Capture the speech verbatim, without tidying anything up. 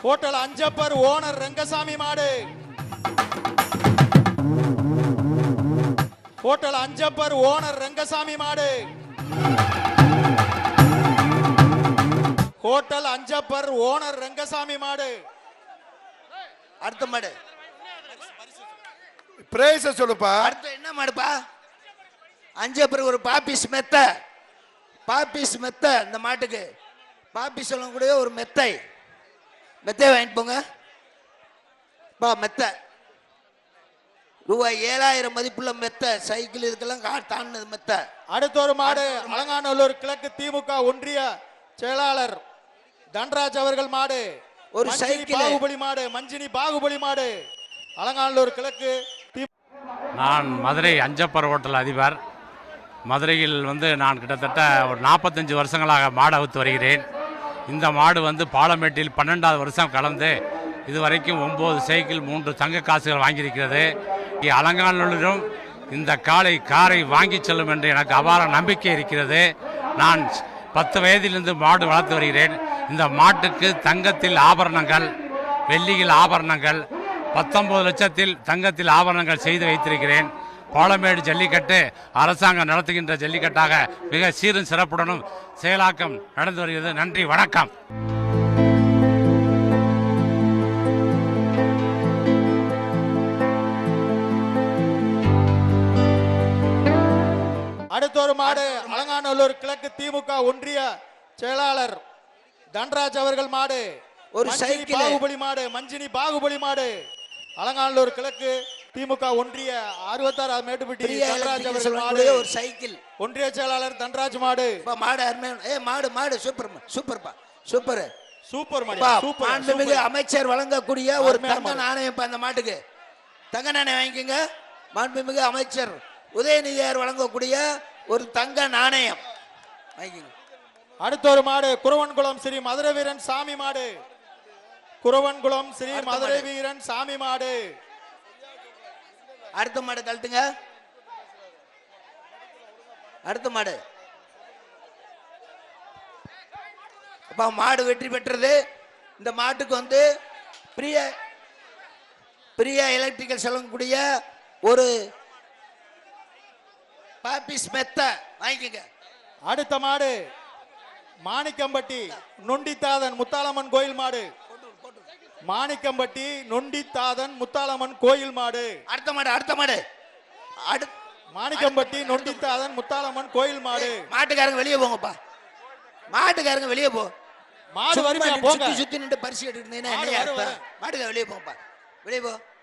Hotel Anjappar owner Rangasamy மாடு. Hotel Anjappar owner Rangasamy மாடு. Hotel Anjappar owner Rangasamy மாடு. அடுத்த மாடு பிரைஸ் சொல்லுப்பா. அடுத்து என்ன மாடுப்பா? அஞ்சப்பர் ஒரு பாப்பிஸ் மெத்த. பாப்பிஸ் மெத்த இந்த மாட்டுக்கு பாப்பி சொல்லக்கூடிய ஒரு மெத்தை. மெத்தை வாங்கிட்டு போங்க பா. மெத்தை ரூபாய் ஏழாயிரம் மதிப்புள்ள மெத்தை. சைக்கிள் இதுக்கெல்லாம் கார் தாண்டினது மெத்தை. அடுத்த ஒரு மாடு அலங்காநல்லூர் கிழக்கு திமுக ஒன்றிய செயலாளர் தன்ராஜ் அவர்கள் மாடு. ஒரு சைக்கிள் பாகுபலி மாடு. மஞ்சினி பாகுபலி மாடு. அலங்காநல்லூர் கிழக்கு. நான் மதுரை அஞ்சப்பர் ஹோட்டல் அதிபர். மதுரையில் வந்து நான் கிட்டத்தட்ட ஒரு நாற்பத்தஞ்சு வருஷங்களாக மாடு அவுத்து வருகிறேன். இந்த மாடு வந்து பாலமேட்டில் பன்னெண்டாவது வருஷம் கலந்து இதுவரைக்கும் ஒம்பது சைக்கிள் மூன்று தங்க காசுகள் வாங்கியிருக்கிறது. அலங்காநல்லூரிலும் இந்த காலை காரை வாங்கி செல்லும் என்று எனக்கு அபார நம்பிக்கை இருக்கிறது. நான் பத்து வயதிலிருந்து மாடு வளர்த்து வருகிறேன். இந்த மாட்டுக்கு தங்கத்தில் ஆபரணங்கள், வெள்ளியில் ஆபரணங்கள், பத்தொன்பது லட்சத்தில் தங்கத்தில் ஆபரணங்கள் செய்து வைத்திருக்கிறேன். பாலமேடு ஜல்லிக்கட்டு அரசாங்கம் நடத்துகின்ற ஜல்லிக்கட்டாக மிக சீரும் சிறப்புடனும் செயலாக்கம் நடந்து வருகிறது. நன்றி, வணக்கம். அடுத்த ஒரு மாடு அலங்காநல்லூர் கிழக்கு திமுக ஒன்றிய செயலாளர் தன்ராஜ் அவர்கள் மாடு. ஒரு சைக்கிள் பாகுபலி மாடு. மஞ்சினி பாகுபலி மாடு. அலங்காநல்லூர் கிழக்கு திமுக ஒன்றிய அறுபத்தாறு மேட்டுப்பட்டி தன்ராஜ் அவர்கள் மாடு. ஒரு சைக்கிள் ஒன்றிய செயலாளர் தன்ராஜ் மாடு. மாடு அருமையான ஏ மாடு மாடு சூப்பர் சூப்பர்ப்பா சூப்பர் சூப்பர் மாடு. மாண்புமிகு அமைச்சர் வழங்கக்கூடிய ஒரு தங்க நாணயம் அந்த மாட்டுக்கு. தங்க நாணயம் வாங்கிக்கோங்க. மாண்புமிகு அமைச்சர் உதயநிதியார் வழங்கக்கூடிய ஒரு தங்க நாணயம் வாங்கிக்கோங்க. அடுத்த ஒரு மாடு குறவன்குளம் ஸ்ரீ மதுரை வீரன் சாமி மாடு. குறவன்குளம் ஸ்ரீ மதுரை வீரன் சாமி மாடு. அடுத்த மாடு கழட்டுங்க. அடுத்த மாடு அப்பா மாடு வெற்றி பெற்றது. இந்த மாட்டுக்கு வந்து பிரிய பிரியா எலக்ட்ரிக்கல் சொல்லக்கூடிய ஒரு பாப்பிஸ் மெத்த வாங்கிக்கங்க. அடுத்த மாடு மாணிக்கம்பட்டி நொண்டித்தாதன் முத்தாளம்மன் கோயில் மாடு. மாணிக்கம்பட்டி நொண்டித்தாதன் முத்தாளம்மன் கோயில் மாடு. அடுத்த மாடு அடுத்த மாடு மாணிக்கம்பட்டி நொண்டித்தாதன் முத்தாளம்மன் கோயில் மாடு. மாட்டுக்காரங்க வெளியே போங்கப்பா. மாட்டுக்காரங்க வெளியே போ. மாடு வரிமையா போங்க. சுத்தி சுத்தி நின்று பரிசு எடுத்து மாட்டுக்கார வெளியே போங்கப்பா. வெளியே போ.